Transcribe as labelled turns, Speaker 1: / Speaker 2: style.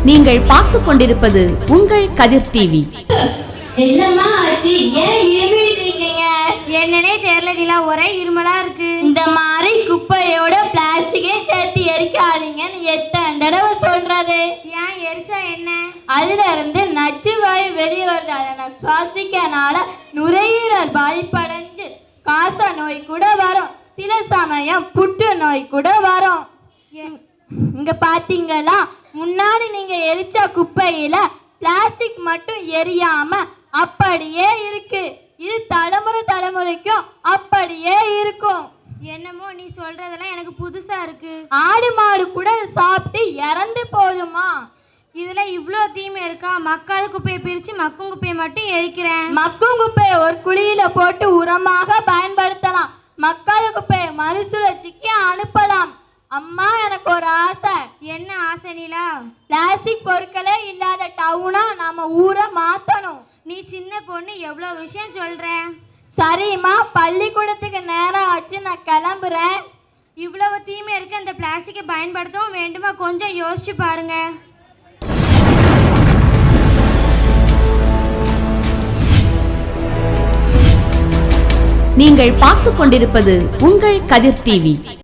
Speaker 1: நீங்கள் பார்த்து கொண்டிருப்பது உங்கள் கதிர் டிவி.
Speaker 2: என்னம்மா ஆச்சு? ஏன் இருமிட்டு இருக்கீங்க?
Speaker 3: என்னன்னே தெரியல நிலா, ஒரே இருமலா இருக்கு.
Speaker 2: இந்த மாதிரி குப்பையோட பிளாஸ்டிக்கே சேர்த்து எரிக்காதீங்கன்னு எத்தனை தடவை சொல்றது?
Speaker 3: ஏன் எரிச்சா என்ன?
Speaker 2: அதுல இருந்து நச்சு வாயு வெளியே வருது. அதை சுவாசிக்கனால நுரையீரல் பாதிப்படைஞ்சு காச நோய் கூட வரும். சில சமயம் புற்று நோய் கூட வரும். இங்க பாத்தீங்களா, முன்னாடி நீங்க எரிச்ச குப்பையில பிளாஸ்டிக் மட்டும் எரியாம அப்படியே இருக்கு. இது தலைமுறைக்கும் அப்படியே இருக்கும்.
Speaker 3: என்னமோ நீ சொல்றதெல்லாம் எனக்கு புதுசா இருக்கு.
Speaker 2: ஆடு மாடு கூட சாப்பிட்டு இறந்து போதுமா?
Speaker 3: இதுல இவ்ளோ தீமை இருக்கா? மக்காத குப்பையை பிரிச்சு மக்கும் குப்பையை மட்டும் எரிக்கிறேன்.
Speaker 2: மக்கும் குப்பையை ஒரு குழியில போட்டு உரமாக பயன்படுத்தலாம். மக்காத குப்பையை மறுசுழற்சிக்கு அனுப்பலாம். அம்மா, எனக்கு ஒரு ஆசை.
Speaker 3: என்ன ஆசை நிலா?
Speaker 2: பிளாஸ்டிக் பொருட்களே இல்லாத டவுனா நம்ம ஊரை மாத்தணும்.
Speaker 3: நீ சின்ன பொண்ணு, எவ்வளோ விஷயம் சொல்ற.
Speaker 2: சரிம்மா, பள்ளிக்கூடத்துக்கு நேரம் ஆச்சு, நான் கிளம்புறேன்.
Speaker 3: இவ்வளவு தீமை இருக்க அந்த பிளாஸ்டிக்கை பயன்படுத்தவும் வேண்டுமா? கொஞ்சம் யோசிச்சு பாருங்க.
Speaker 1: நீங்கள் பார்த்து கொண்டிருப்பது உங்கள் கதிர் டிவி.